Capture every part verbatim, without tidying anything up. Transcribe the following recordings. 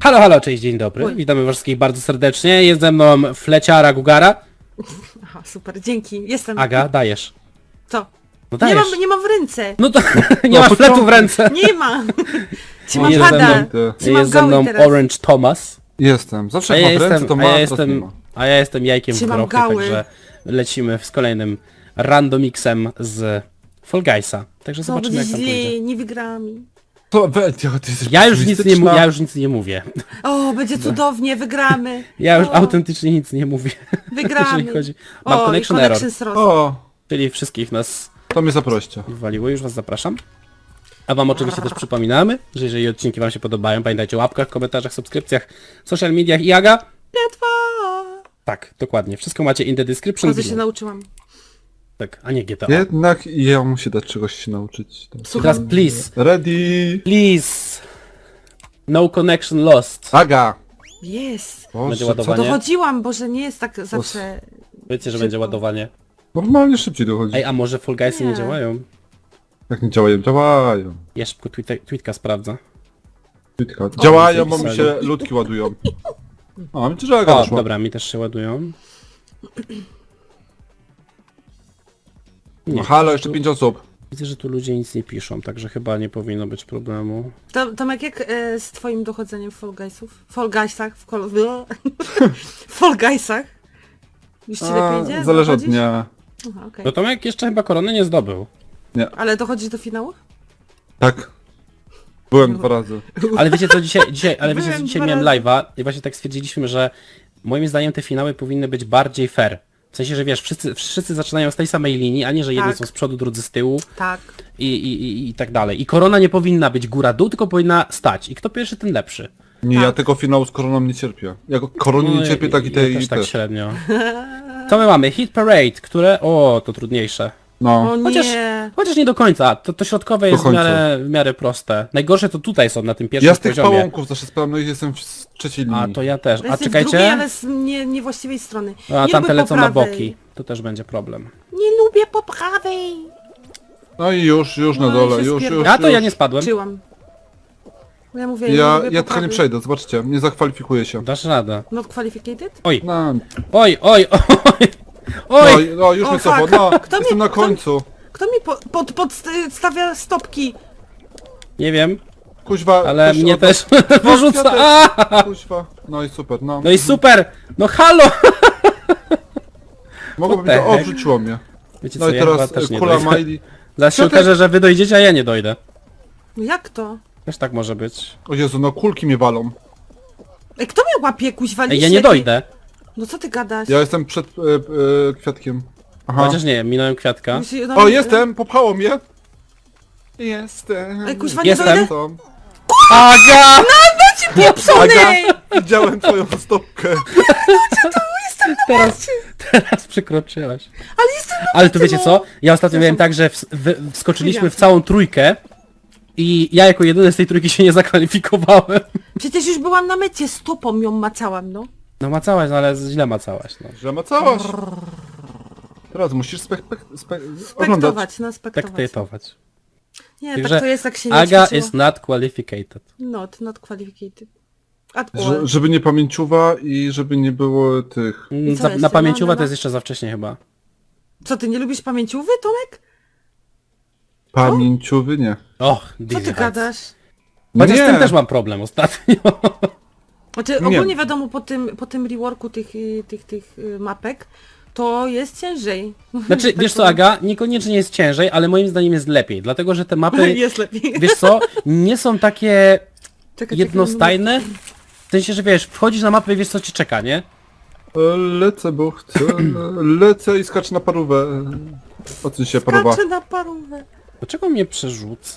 Halo, halo, cześć, dzień dobry. Oj. Witamy was wszystkich bardzo serdecznie. Jest ze mną Fleciara Gugara. Aha, super, dzięki. Jestem. Aga, dajesz. Co? No Nie dajesz. mam, nie mam w ręce. No to nie No, masz to fletu co? w ręce. Nie ma. Trzymam Jest ze pada. mną, Trzymam jest ze gały mną teraz. Orange Thomas. Jestem. Zawsze A jak ja mam w ręce, jestem, to a ma, ja teraz nie jestem, ma. a ja jestem jajkiem w Trzymam grochy, gały. także lecimy z kolejnym randomixem z Fall Guysa. Także To zobaczymy będzie jak tam pójdzie. źle, nie wygramy. To we, ty jesteś Ja już nic nie, mu- pesymistyczna. ja już nic nie mówię. O, będzie cudownie, wygramy. Ja już o, autentycznie nic nie mówię. Wygramy. Jeżeli chodzi... Mam o, connection i error, connection srost. O, czyli wszystkich nas to mnie zaproście. wywaliło, już was zapraszam. A wam oczywiście też przypominamy, że jeżeli odcinki wam się podobają, pamiętajcie o łapkach, komentarzach, subskrypcjach, social mediach i Aga. Letwa. Tak, dokładnie. Wszystko macie in the description Chodzę się below. nauczyłam. Tak, a nie G T A. Jednak ja muszę dać czegoś się nauczyć. Teraz Słucham. please, Ready. please. No connection lost. Aga. Jest. Boże, Będzie co ładowanie. to- Dochodziłam, bo że nie jest tak zawsze... Wiecie, że Szybko. będzie ładowanie. Normalnie szybciej dochodzi. Ej, a może Fall Guysy nie, Nie. działają? Jak nie działają, działają. Ja szybko tweeta, tweetka sprawdza. Kwitka. Działają, bo mi pisali. się ludki ładują. A, mi że Aga O, doszła. dobra, mi też się ładują. No halo, jeszcze pięć osób. Widzę, że tu ludzie nic nie piszą, także chyba nie powinno być problemu. To, Tomek, jak e, z twoim dochodzeniem w Fall Guysów? Fall Guysach? W Call... w Fall Guysach? Już ci A, lepiej idzie? zależy od Dochodzisz? dnia. Aha, okej. No Tomek jeszcze chyba korony nie zdobył. Ale dochodzisz do finału? Tak. Byłem dwa razy. Ale wiecie co dzisiaj, dzisiaj ale wiecie co Byłem dzisiaj dwa miałem razy. live'a i właśnie tak stwierdziliśmy, że moim zdaniem te finały powinny być bardziej fair. W sensie, że wiesz, wszyscy, wszyscy zaczynają z tej samej linii, a nie, że jedni Tak. są z przodu, drudzy z tyłu Tak. i, i, i, i tak dalej. I korona nie powinna być góra-dół, tylko powinna stać. I kto pierwszy, ten lepszy. Nie, Tak. ja tego finału z koroną nie cierpię. Ja go- korony nie No, cierpię, tak i ja tej też i tak też. średnio. Co my mamy? Hit Parade, które... O, to trudniejsze. No. O Chociaż, nie. chociaż nie do końca. To, to środkowe jest w końca. miarę, w miarę proste. Najgorsze to tutaj są, na tym pierwszym Ja z tych poziomie. pałąków zawsze spałem, no i jestem w trzeciej linii. A, to ja też. A Jesteś w czekajcie. drugiej, ale z nie, niewłaściwej strony. A nie tamte lubię lecą po na prawej. boki. To też będzie problem. Nie lubię po prawej. No i już, już na No i dole, się już, spierdol- już, A to już. ja nie spadłem. Czyłam. Ja mówię, nie Ja, lubię ja po tylko nie prawej. przejdę, zobaczcie, nie zakwalifikuję się. Dasz radę. Not qualificated? Oj, No, oj, oj, oj, no, oj. no już O, mnie cofło, fuck. no, Kto jestem mnie- na kto- końcu. Kto mi po, pod, podstawia stopki? Nie wiem, Kuźwa, ale ktoś mnie od- też Ja wyrzuca. też. A! Kuźwa, no i super, no. No i super. No halo. Mogłoby what to, the o, heck? wrzuciło mnie. Wiecie No co, i ja teraz chyba też e, nie kula dojdę. Miley. Zaraz się Piotrek- okaże, że wy dojdziecie, a ja nie dojdę. No jak to? Też tak może być. O Jezu, no kulki mnie walą. Ej, kto mnie łapie kuźwa? Ej, ja nie liście? dojdę. No co ty gadasz? Ja jestem przed e, e, kwiatkiem. Aha. Chociaż nie, minąłem kwiatka. Musi- no, O, jestem, popchało mnie. Jestem. Ej, kuźwa, nie Jestem. dojdę? Są. Aga! Pieprzony! Widziałem twoją stopkę. Teraz, teraz przekroczyłaś. Ale jestem na Ale to mecie, wiecie no. co? Ja ostatnio miałem tak, że ws- wy- wskoczyliśmy w całą trójkę i ja jako jedyny z tej trójki się nie zakwalifikowałem. Przecież już byłam na mecie, stopą ją macałam, no. No macałaś, no ale źle macałaś, no. Że macałaś. Teraz musisz spek spek spek oglądać. Spektować, no Tak spektować. tejtować. Nie, Także tak to jest, jak się nie Aga ćwiczyło. is not qualificated. Not, not qualificated. At all. Że, żeby nie pamięciuwa i żeby nie było tych... Mm, co Za, jeszcze? na pamięciowa No, no, to no. jest jeszcze za wcześnie chyba. Co, ty nie lubisz pamięciówy, Tomek? Pamięciowy nie. Och, Co Dizzy ty Heights. gadasz? Chociaż z Nie. tym też mam problem ostatnio. Znaczy, Nie. ogólnie wiadomo, po tym, po tym reworku tych, y, tych, tych y, mapek, to jest ciężej. Znaczy, Tak wiesz co powiem. Aga, niekoniecznie jest ciężej, ale moim zdaniem jest lepiej, dlatego że te mapy, Jest lepiej. wiesz co, nie są takie Czekaj, jednostajne. W sensie, że wiesz, wchodzisz na mapę i wiesz co cię czeka, nie? E, Lecę, bo chcę. Lecę i skaczę na parówę. O czym się czekaj, paruwa? skaczę na parówę. Dlaczego mnie przerzuca?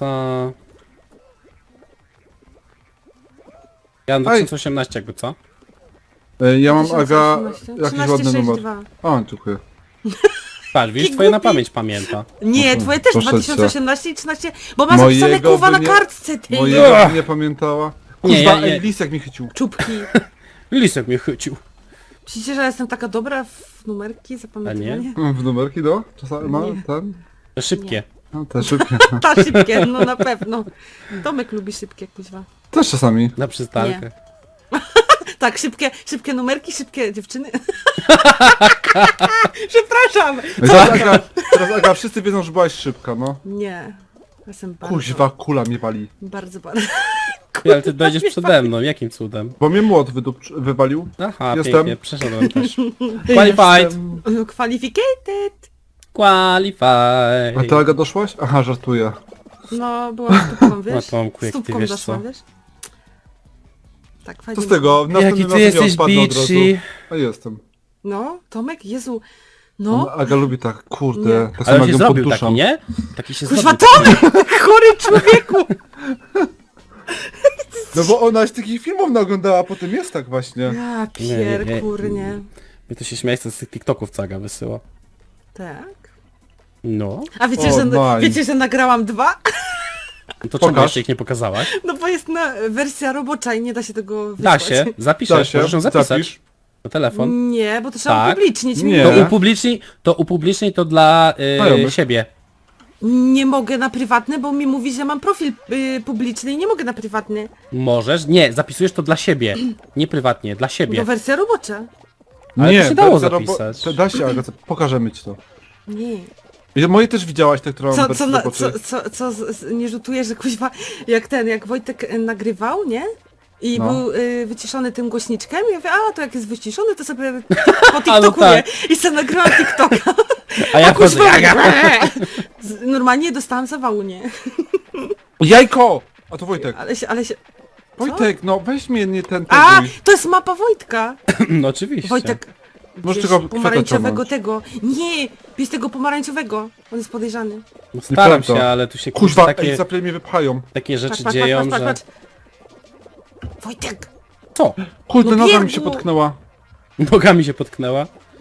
Ja mam dwa tysiące osiemnaście jakby, co? E, Ja mam, Aga, tysiąc osiemnaście. jakiś trzynaście ładny sześćdziesiąt numer. dwa. A, dziękuję. Patrz, widzisz, Jaki twoje na głupi. pamięć pamięta. Nie, Mhm, twoje też proszę dwa tysiące cię. osiemnaście i trzynaście, bo masz zapisane Mojego kurwa by na nie- kartce tej. Mojego nie pamiętała. Nie, Kuźwa, ja- ja- ej, lis jak mi chycił. Czubki. Lisek mnie chycił. Myślicie, że ja jestem taka dobra w numerki, zapamiętywanie? W numerki do? Czasami ma Nie. ten? To szybkie. No, te szybkie. Ta szybkie, no na pewno. Tomek lubi szybkie, kuźwa. Też czasami. Na przystankę. Tak, szybkie, szybkie numerki, szybkie dziewczyny. Przepraszam. Teraz Aga, teraz Aga, wszyscy wiedzą, że byłaś szybka, no. Nie. Jestem bardzo, Kuźwa, kula mnie wali. bardzo, bardzo. Ty, ale ty dojdziesz przede mną, jakim cudem? Bo mnie młot wydupcz- wywalił. Aha, Jestem. pięknie, przeszedłem też. Qualified! Qualificated. A ty Qualified! Aga doszłaś? Aha, żartuję. No, byłam stópką, wiesz? No, Tomku, jak ty Stópką wiesz doszłam, co. wiesz? Tak, Co fajnie. z tego? Jaki Następnym ty razem ja jesteś odpadnę od razu. bitchy! A jestem. No, Tomek, Jezu. No. No. Aga lubi tak, kurde, Nie. tak Ale samo on jak się ją zrobił podduszam. taki, nie? Taki się Kuźwa, zrobił. Tomek! Chory człowieku! No bo ona z takich filmów naoglądała, a potem jest tak właśnie. Ja Nie, nie, nie. pier, kurnie. Mnie to się śmieje, co z tych TikToków co Aga wysyła. Tak. No. A wiecie, O, że, nice. wiecie, że nagrałam dwa? No to czemu Pokaż. jeszcze ich nie pokazałaś? No bo jest na wersja robocza i nie da się tego Da wysłać. się, zapiszesz, Da się, możesz ją zapisać. zapisz. Na telefon. Nie, bo to trzeba Tak. upublicznić. Nie. To upublicznij, to upublicznij to dla y, Znajomych. siebie. Nie mogę na prywatny, bo mi mówi, że mam profil y, publiczny i nie mogę na prywatny. Możesz, nie, zapisujesz to dla siebie. Nie prywatnie, dla siebie. Bo wersja robocza. Ale nie, to się dało wersja robo- zapisać. to Da się, Aga, to pokażemy ci to. Nie. I moje też widziałaś, te, które mam Co, wersję co, na, roboczej. co, co, co z, z, nie rzutuje, że kuźwa, jak ten, jak Wojtek e, nagrywał, nie? I No. był y, wyciszony tym głośniczkiem i ja mówię, a to jak jest wyciszony, to sobie po A, no TikTokuję. tak. I sobie nagrałam TikToka. A ja wchodzę, Kuźwa, Aga. z- Normalnie dostałam zawału, nie? Jajko! A to Wojtek. Ale się, ale się... Wojtek, no weź mnie nie ten A, teguj. to jest mapa Wojtka. No oczywiście. Wojtek, Możesz wiesz, tego kwiata pomarańczowego ciągnąć. tego. Nie, jest tego pomarańczowego. On jest podejrzany. No, staram Nieprawda. się, ale tu się Kuźwa, takie, ej, zaple mnie wypchają. takie rzeczy Patrz, patrz, dzieją, patrz, patrz, że... patrz. Wojtek! Co? Kurde, No noga mi się biegu. potknęła. Nogami się potknęła.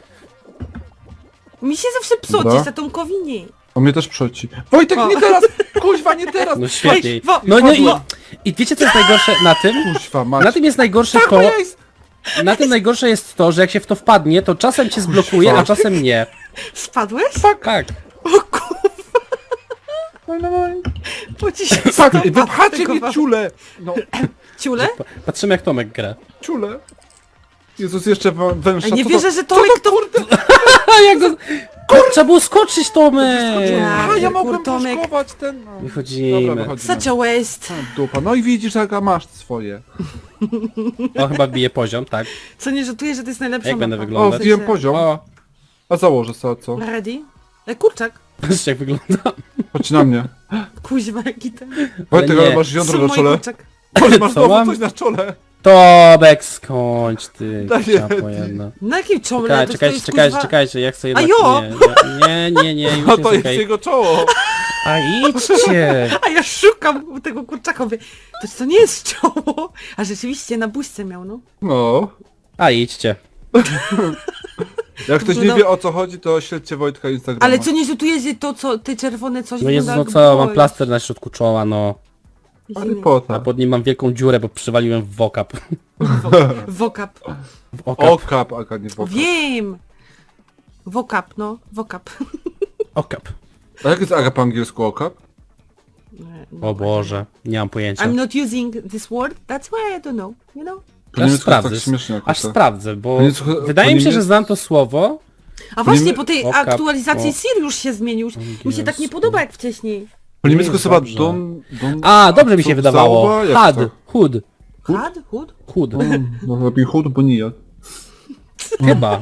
Mi się zawsze psoci, Dobra. za Tomkowi nie. O mnie też przeci. Wojtek, O. nie teraz! Kuźwa, nie teraz! No świetnie. Ej, wo- No, no i, wo- i wiecie co jest najgorsze na tym? Kuźwa, mać. Na tym jest najgorsze Tak, to... moja jest... Na tym najgorsze jest to, że jak się w to wpadnie, to czasem cię zblokuje, a czasem nie. Spadłeś? Tak. O kurwa, No, no, no. bo ci się Tak, stopa wypchacie mnie stygowa- ciule! No, Ciule? Pa- Patrzymy jak Tomek gra. ciule. Jezus, jeszcze wę- węższa. A nie co wierzę, to? że Tomek to... A jak go... Trzeba było skoczyć, Tomek! Ja. A, ja mogłem Tomek. poszkować ten... No. Wychodzimy. Dobra, wychodzimy. Such a waste. A, dupa. No i widzisz, Aga, masz swoje. O, chyba bije poziom, tak. Co nie rzutuje, że to jest najlepsza Jak będę mapa. wyglądać? O, wiem poziom. O, A założę sobie co? Ready? E, kurczak. patrzcie jak wygląda. Chodź na mnie. Kuźwa, jaki ten... Wojtek, nie. ale masz jądro Są na moi czole. kurczak. Może masz Co znowu mam? coś na czole. Tomek, skończ ty, Daję. ciapo jedna. Na jakim czole? Czekaj, To czekajcie, jest, czekajcie, kuźwa- czekajcie, ja chcę A jednak... jo! Nie, nie, nie, nie, już A jest to jest okej. jego czoło. A idźcie! A ja szukam tego kurczaka, mówię, to co nie jest czoło? A rzeczywiście na buźce miał, no. No. A idźcie. Jak ktoś nie Wyglądał- wie o co chodzi, to śledźcie Wojtka Instagrama. Ale co nie rzutuje, że to co, te czerwone coś No Jezus, no wygląda co, jak mam bol. plaster na środku czoła, no. Harry A Potter. pod nim mam wielką dziurę, bo przywaliłem w wokap. Wokap. W okap. Okap, Aga, nie O, wokap. wiem! Wokap, no, wokap. Okap. A jak jest Aga po angielsku okap? O Boże, nie mam pojęcia. I'm not using this word, that's why I don't know, you know? Po Aż niemiecku sprawdzę, tak śmiesznie jakoś aż tak. sprawdzę, bo Po niemiecku- wydaje po mi się, że niemiecku- znam to słowo. A właśnie niemie- po tej Wokap, aktualizacji o. Sirius się zmienił. Mi się tak nie Angielsku. podoba jak wcześniej. Po niemiecku jest chyba dobrze. don... don... A, dobrze mi co, się wydawało. zauwa? Jak Had, to? hud, Had? Hud? hud. Mm, No lepiej chód, bo nijak. Chyba.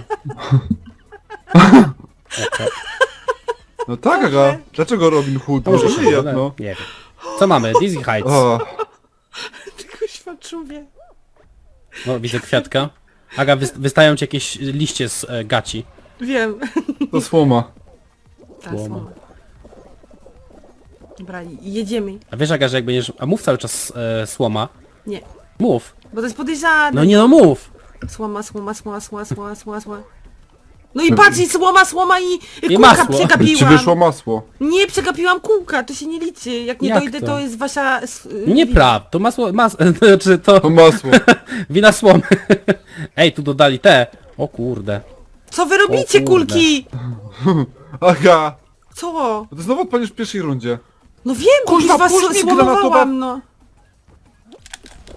No tak, Aga. Dlaczego Robin Hood? To może Może się nijak, wyda- no. Nie wiem. Co mamy? Dizzy Heights. O, Tylko świadczuję. No, widzę kwiatka. Aga, wys- wystają ci jakieś liście z e, gaci. Wiem. to słoma. Ta Słoma. słoma. Dobra, jedziemy. A wiesz, Aga, że jak będziesz... A mów cały czas e, słoma. Nie, Mów. bo to jest podejrzane. No nie no, mów. Słoma, słoma, słoma, słoma, słoma, słoma, słoma. No i patrz, i słoma, słoma i, i I kółka masło. Ci przegapiłam. wyszło masło. Nie, przegapiłam kółka, to się nie liczy. Jak nie Jak dojdę, to? to? jest wasza... s- y, Nieprawda, to masło... Mas... Znaczy to... To masło. Wina słomy. Ej, tu dodali te. O kurde. Co wy robicie, kurde. kulki? Aga. Co? To znowu odpalisz w pierwszej rundzie. No wiem, bo Kuźwa, już was puść mnie, słomowałam, granatowa- no.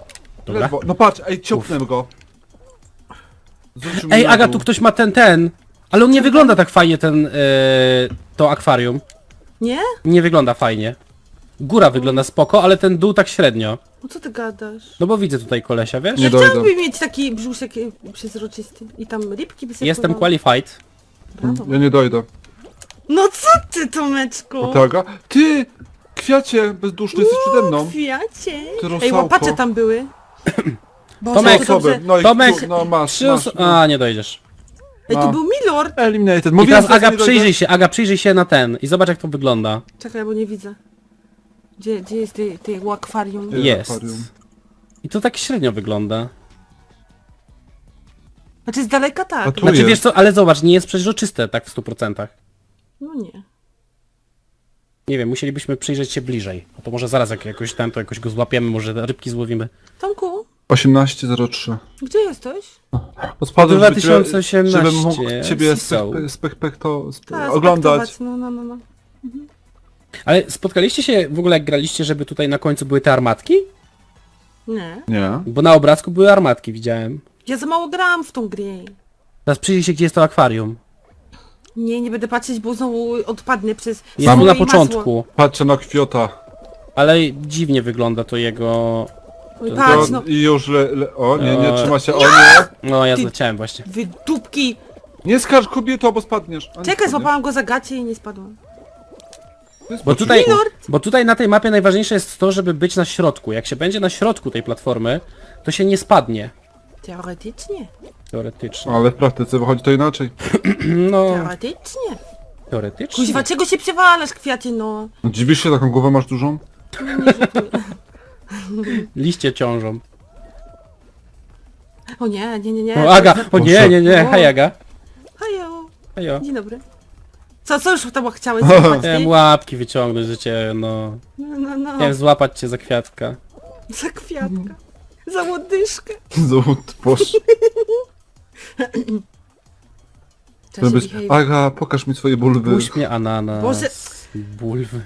Dobra. Ledwo. No patrz, ej, ciąpnę go. Zrzucił Ej, mnie na Aga, dół. tu ktoś ma ten, ten. Ale on nie wygląda tak fajnie, ten, yy, to akwarium. Nie? Nie wygląda fajnie. Góra wygląda spoko, ale ten dół tak średnio. No co ty gadasz? No bo widzę tutaj kolesia, wiesz? Nie Ja dojdę. chciałabym mieć taki brzuszek e, przezroczysty. I tam rybki by sobie Jestem pływały. qualified. Brawo. Ja nie dojdę. No co ty, Tomeczku? O tak, a? Ty! Kwiacie bezduszny jesteś przede mną. Kwiacie. Ty Ej, rusałko. łapacze tam były. Boże, Tomek, to dobrze. Osoby. No i Tomek, tu, no masz, Trzy masz. oso- A, nie dojdziesz. Ej, tu No. był Milord. Eliminated. I Mówiłem, teraz że Aga, nie dojdę. przyjrzyj się, Aga, przyjrzyj się na ten i zobacz jak to wygląda. Czekaj, bo nie widzę. Gdzie, gdzie jest ty, ty akwarium? Nie. Jest. akwarium. I to tak średnio wygląda. Znaczy z daleka tak. A tu Znaczy jest. wiesz co, ale zobacz, nie jest przeźroczyste tak w stu procentach. No nie. Nie wiem, musielibyśmy przyjrzeć się bliżej. A to może zaraz jak jakoś tam, to jakoś go złapiemy, może rybki złowimy. Tomku, osiemnaście zero trzy. gdzie jesteś? Spadłem, dwa żeby ciebie- tysiące osiemnaście. Żebym mógł ciebie Sisą. spek, spek, spek, to sp Tak, oglądać. spektować. No, no, no, no. Ale spotkaliście się w ogóle jak graliście, żeby tutaj na końcu były te armatki? Nie. Nie. Bo na obrazku były armatki, widziałem. Ja za mało gram w tą grę. Teraz przyjrzyj się, gdzie jest to akwarium. Nie, nie będę patrzeć, bo znowu odpadnę przez... Jest słowo tu na i masło. początku, Patrzę na kwiota. ale dziwnie wygląda to jego... Oj, To- patrz, To, no. I już le, le, o nie, nie, O. trzyma się, o nie. No ja Ty- zleciałem właśnie. Wy dupki. Nie skarż kobieto, bo spadniesz. A, nie Czekaj, spadniesz. złapałam go za gacie i nie spadłam. To jest Bo tutaj, Milord! bo tutaj na tej mapie najważniejsze jest to, żeby być na środku. Jak się będzie na środku tej platformy, to się nie spadnie. Teoretycznie. Teoretycznie. Ale w praktyce wychodzi to inaczej. No, Teoretycznie. teoretycznie. Kuźwa, czego się przewalasz, kwiacie, no? No, dziwisz się, taką głowę masz dużą? Liście ciążą. O nie, nie, nie, nie. O Aga, o nie, nie, nie, O. hej Aga. Hajo. Hejo. Dzień dobry. Co, co już tam chciałeś złapać, Chciałem ty? łapki wyciągnąć, że cię, no... No, no, no. Chciałem złapać cię za kwiatka. Za kwiatka. Za łodyżkę. Złot, boż. Cześć, Żebyś... Michał. Aga, pokaż mi swoje bulwy. Puść mnie ananas. Boże. Bulwy.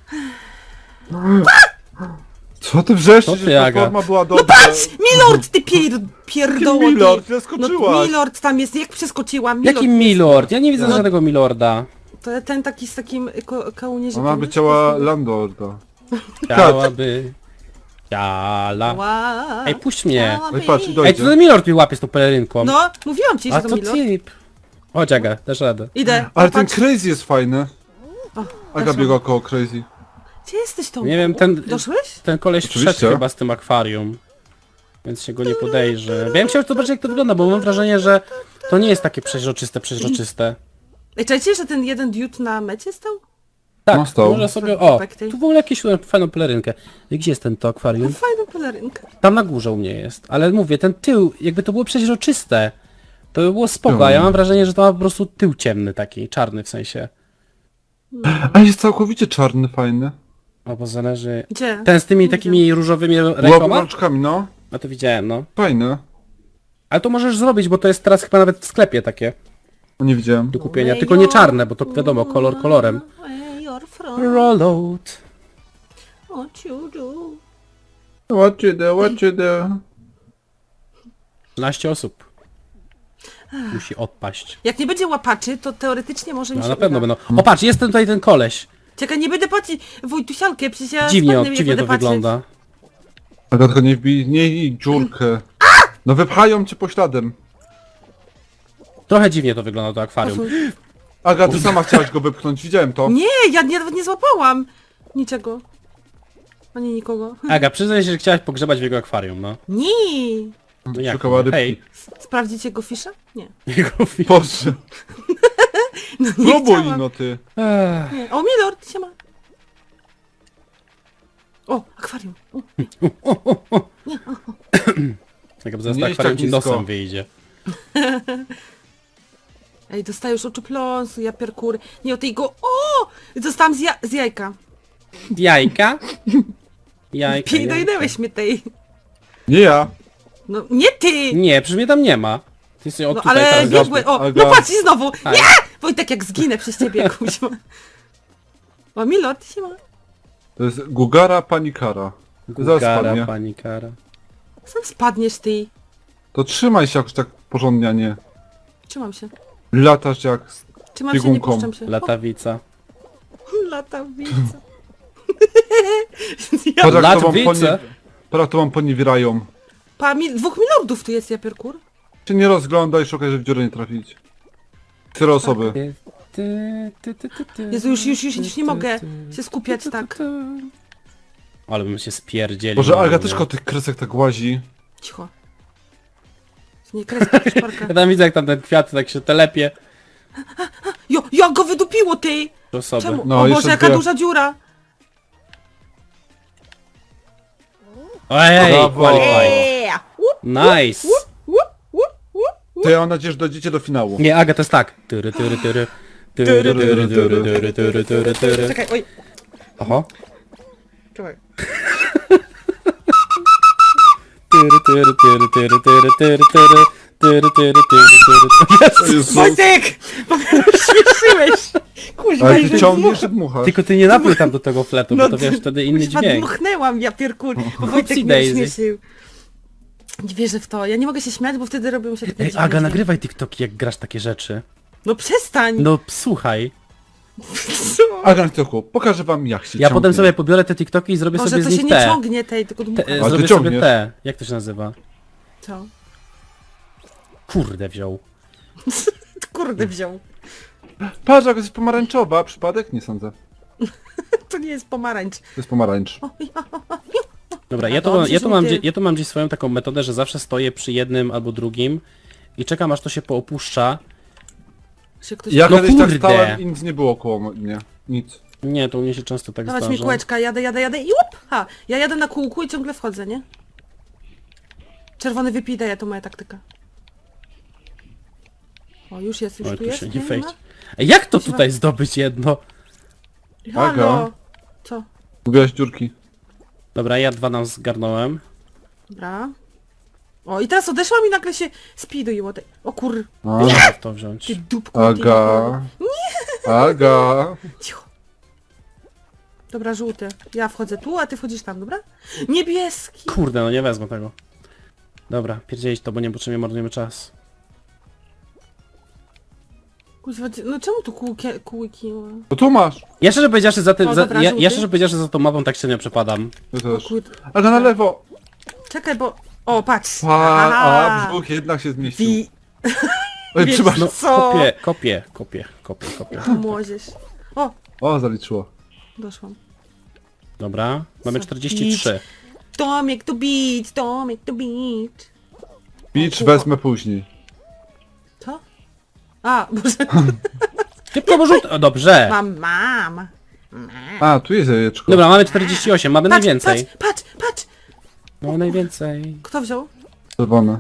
Co ty wrzeszczysz, Co ty, że Aga? platforma była dobra? Patrz! Milord, ty pier... pierdoło, ty. Milord, No zaskoczyłaś. Milord tam jest, jak przeskoczyłam? Milord Jaki jest. milord? Ja nie widzę No. żadnego milorda. To ten taki z takim ko kołnierzykiem. Ona by chciała Landorda. Chciałaby... Ciala. Wow. Ej, puść mnie. Ej, patrz, dojdzie. Ej, to ten milord mi łapie z tą pelerynką. No, mówiłam ci, że A to to Milord. typ. Chodź Aga, dasz radę. Idę. Ale ten Patrz. Crazy jest fajny. O, Aga doszłam. biega koło Crazy. Gdzie jesteś, Tomku? Nie wiem, ten, Doszłeś? ten koleś Oczywiście. wszedł chyba z tym akwarium. Więc się go nie podejrzę. Ja bym chciał zobaczyć jak to wygląda, bo mam wrażenie, że to nie jest takie przeźroczyste, przeźroczyste. Ej, czajcie, że ten jeden dude na mecie stał? Tak, No, stał. może sobie... O, Perfekty. tu w ogóle jakąś fajną pelerynkę. Gdzie jest ten to akwarium? Fajna pelerynka. Tam na górze u mnie jest. Ale mówię, ten tył, jakby to było przeźroczyste, to by było spoko, a ja No. mam wrażenie, że to ma po prostu tył ciemny taki, czarny w sensie. A jest całkowicie czarny, fajny. O, bo zależy... Gdzie? Ten z tymi takimi różowymi Łap rękoma? rączkami, no. No to widziałem, no. Fajny. Ale to możesz zrobić, bo to jest teraz chyba nawet w sklepie takie No nie widziałem. do kupienia. Tylko nie czarne, bo to wiadomo, kolor kolorem. Where you're from, Rollout. what you do. What you do, what you do? trzynaście osób. Musi odpaść. Jak nie będzie łapaczy, to teoretycznie może mi No się na pewno uda. będą. O patrz, jest ten tutaj ten koleś. Czekaj, nie będę patrzeć. Wojtusialkę, przecież ja Dziwnie, spadnę, on, jak dziwnie będę to patrzeć. wygląda. Aga, tylko nie wbij, nie i dziurkę. No wypchają cię pośladem. Trochę dziwnie to wygląda to akwarium. Posłuchaj. Aga, ty sama chciałaś go wypchnąć, widziałem to. Nie, ja nie, nawet nie złapałam niczego. Ani nikogo. Aga, przyznaj się, że chciałaś pogrzebać w jego akwarium, no. Nie. No jak? Szukała rybki. Hej. Sprawdzić jego fisza? Nie. Jego fi- Boże. No nie Próbuj, chciałam. no ty. Ech. Nie. O, Milord, siema. O, akwarium. O, Jak zaraz Nie to idź akwarium tak ci nisko. nosem wyjdzie. ej, dostajesz oczopląsu, ja pierkury. Nie, o tej go... O! Dostałam z, ja z jajka. Jajka? Jajka, jajka. Dojdałeś mnie tej. Nie ja. No, nie ty! Nie, przecież mnie tam nie ma. Ty jesteś od No tutaj ale teraz biegłe... zaszły. O, Aga. no patrz i znowu! Aj. Nie! Wojtek, jak zginę przez ciebie, kuźma. O, Milord, siema. To jest Gugara Panikara. Zaraz Gugara, spadnie. panikara. Sam spadniesz ty. To trzymaj się jakoś tak porządnie, a nie. Trzymam się. Latasz jak... Trzymam się, nie Biegunką. puszczam się. Latawica. O, latawica. ja, Patrz jak to wam, Latwice. ponie... Patrz, jak to wam poniewierają. pa, mi, dwóch milordów tu jest, ja pierkur. Się nie rozglądaj, szukaj, żeby w dziurę nie trafić. Cztery osoby. Ty, ty, ty, ty, ty, ty, Jezu, już, już, już, już nie ty, mogę ty, się skupiać ty, ty, tak. ty. Ale bym się spierdzielił. Boże, normalnie. Aga też koło tych kresek tak łazi. Cicho. Nie kreska, szparka. Ja tam widzę jak tam ten kwiat tak się telepie. Jo, jak go wydupiło, ty! Do osoby. Czemu? No, o jeszcze Boże, jaka dwie. duża dziura! Ojej, Brawo. qualify. Eee! Łup, Nice. łup, łup, łup. To ja mam nadzieję, że dojdziecie do finału. Nie, Aga, to jest tak. Tyry, tyry, tyry. Tyry, tyry, tyry, tyry, tyry, tyry, tyry. Czekaj, oj. Oho. Czekaj. Tyry, tyry, tyry, tyry, tyry, tyry, tyry. Tyry, tyry, tyry, tyry. To jest Wojtek! Śmieszyłeś! Kuźwa, Ale i ty ciągniesz i dmuchasz. Tylko ty nie napój tam do tego fletu, bo No to ty- wiesz, wtedy inny kuźwa, dźwięk. dmuchnęłam, ja pierkur, bo Wojtek Upsi mnie daisy. śmieszył. Nie wierzę w to, ja nie mogę się śmiać, bo wtedy robią się takie Ej, dziwne Aga, dźwięki. nagrywaj TikToki, jak grasz takie rzeczy. No przestań! No, słuchaj. Co? Aga na tyłku, pokażę wam jak się Ja ciągnie. potem sobie pobiorę te TikToki i zrobię Może sobie to z się nich nie te. ciągnie tej, tylko te dmucha. e, Ale zrobię ty sobie ciągniesz. te. Jak to się nazywa? Co? Kurde wziął. Kurde wziął. Patrz, jak jest pomarańczowa. Przypadek? Nie sądzę. To nie jest pomarańcz. To jest pomarańcz. O, ja, Dobra, A ja to, dobrze, ja, że to nie mam, ty. gdzie- ja to mam gdzieś swoją taką metodę, że zawsze stoję przy jednym albo drugim i czekam aż to się poopuszcza. się ktoś... Ja No kiedyś tak kurde. stałem i nic nie było koło mnie. Nic. Nie, to u mnie się często tak Dawać mi zdarza. kółeczka, jadę, jadę, jadę i łup! Ha! Ja jadę na kółku i ciągle wchodzę, nie? Czerwony wypij daje, to moja taktyka. O, już jest, już Oj, tu tu jest, się nie nie wejdzie. ma? Ej, jak to Kuźwa. tutaj zdobyć jedno? Halo! Aga. Co? Gubiłaś dziurki. Dobra, ja dwa nam zgarnąłem. Dobra. O, i teraz odeszłam i nagle się speeduiło. te- O kur... A, Muszę to wziąć. Ty dupku. ty Aga. Aga. Cicho. Dobra, żółty. Ja wchodzę tu, a ty wchodzisz tam, dobra? Niebieski! Kurde, no nie wezmę tego. Dobra, pierdzielić to, bo niepotrzebnie marnujemy czas. Kuźwa, ty- no czemu tu kółki... kółki? To tu masz. Ja szczerze powiedziawszy za tym, O, za, dobra, ja, żółty. ja szczerze powiedziawszy za tą mapą tak średnio przepadam. Ja O też. kurde. Aga na lewo. Czekaj, bo... O, patrz! Pa, a Aha. brzuch jednak się zmieścił. Wi... Oj, Wiesz- przepraszam. No, Co? kopię, kopię, kopię, kopię, kopię. Młodzież. O, O, zaliczyło. doszłam. Dobra, mamy Co? czterdzieści trzy. Tomek to beat, Tomek to beat. Beach O, wezmę później. Co? A, Boże, Szybko, bo rzut... O, dobrze. mam, mam. A, tu jest jajeczko. Dobra, mamy czterdzieści osiem, mamy Patrz, najwięcej. patrz, patrz, patrz. Mamy najwięcej. Kto wziął? Czerwone.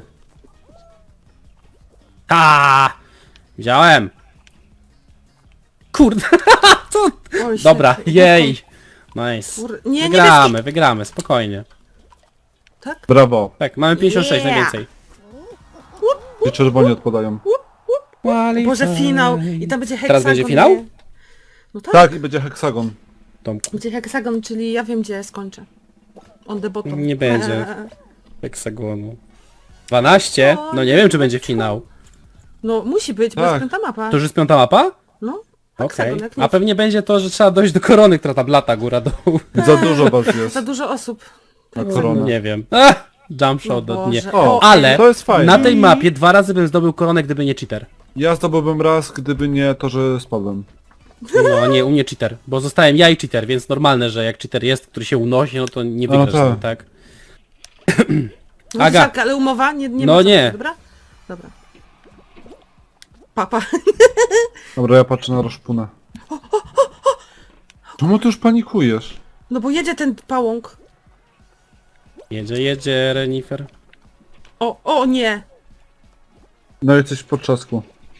Ta! Wziąłem. Kurde. Co? Oj, Dobra, świetnie. jej. Nice. Kur- Nie, nie Wygramy, wygramy, spokojnie. Tak? Brawo. Tak, mamy pięćdziesiąt sześć Yeah. najwięcej. I czerwoni odpadają. Boże, finał. I tam będzie heksagon. Teraz będzie finał? nie? No tak. Tak, i będzie heksagon. Tomku, Będzie heksagon, czyli ja wiem, gdzie skończę. On the bottom. Nie będzie. heksagonu. dwanaście? No nie wiem, czy będzie finał. No musi być, bo jest Tak. piąta mapa. To już jest piąta mapa? No, Okej. heksagon, jak nie. A pewnie będzie to, że trzeba dojść do korony, która tam lata góra-dół. Za dużo was jest. Za dużo osób. Na No, koronę. nie wiem. Ach, jump shot No do nie. Boże. O, Ale to jest fajne. na tej mapie dwa razy bym zdobył koronę, gdyby nie cheater. Ja zdobyłbym raz, gdyby nie to, że spadłem. No nie, u mnie cheater, bo zostałem ja i cheater, więc normalne, że jak cheater jest, który się unosi, no to nie No wygrasz, tak. no, tak? No, Aga. Aga. Ale umowa? Nie, nie No ma co, nie. Dobra? Dobra. Papa. Dobra, ja patrzę na rozpunę. Czemu ty już panikujesz? No bo jedzie ten pałąk. Jedzie, jedzie, Renifer. O, o nie. No jesteś w potrzasku.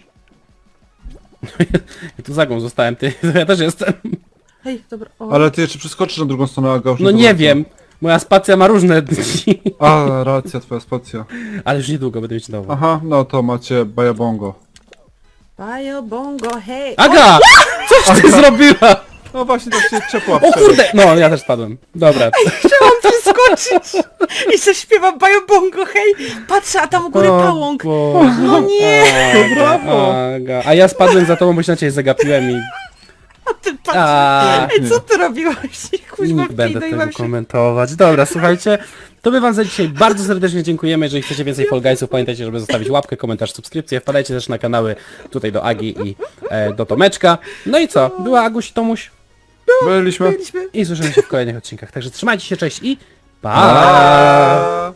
Ja tu zagą zostałem, ty, to ja też jestem. Hej, dobra. O. Ale ty jeszcze przeskoczysz na drugą stronę, Aga już No nie zobaczę. wiem, moja spacja ma różne dni. A, racja, twoja spacja. Ale już niedługo będę mieć nową. Aha, no to macie bajabongo. Bajo, bongo, hej. Aga! Coś ty zrobiła? No właśnie, tak się ciepła O kurde! No, ja też spadłem. Dobra. Chciałam przeskoczyć i zaśpiewam Bajobongo, hej! Patrzę, a tam u góry O pałąk. Boże. No nie! Aga, brawo. Aga. A ja spadłem za tobą, bo się na ciebie zagapiłem i... A ty patrz. A, Ej, co ty robiłaś? Kuźma, nie będę wpinaj, tego mam się... komentować. Dobra, słuchajcie, to my wam za dzisiaj bardzo serdecznie dziękujemy. Jeżeli chcecie więcej Fall Guysów, pamiętajcie, żeby zostawić łapkę, komentarz, subskrypcję. Wpadajcie też na kanały tutaj do Agi i e, do Tomeczka. No i co? Była Aguś i Tomuś Byliśmy. Byliśmy. i słyszymy się w kolejnych odcinkach. Także trzymajcie się, cześć i pa! Pa!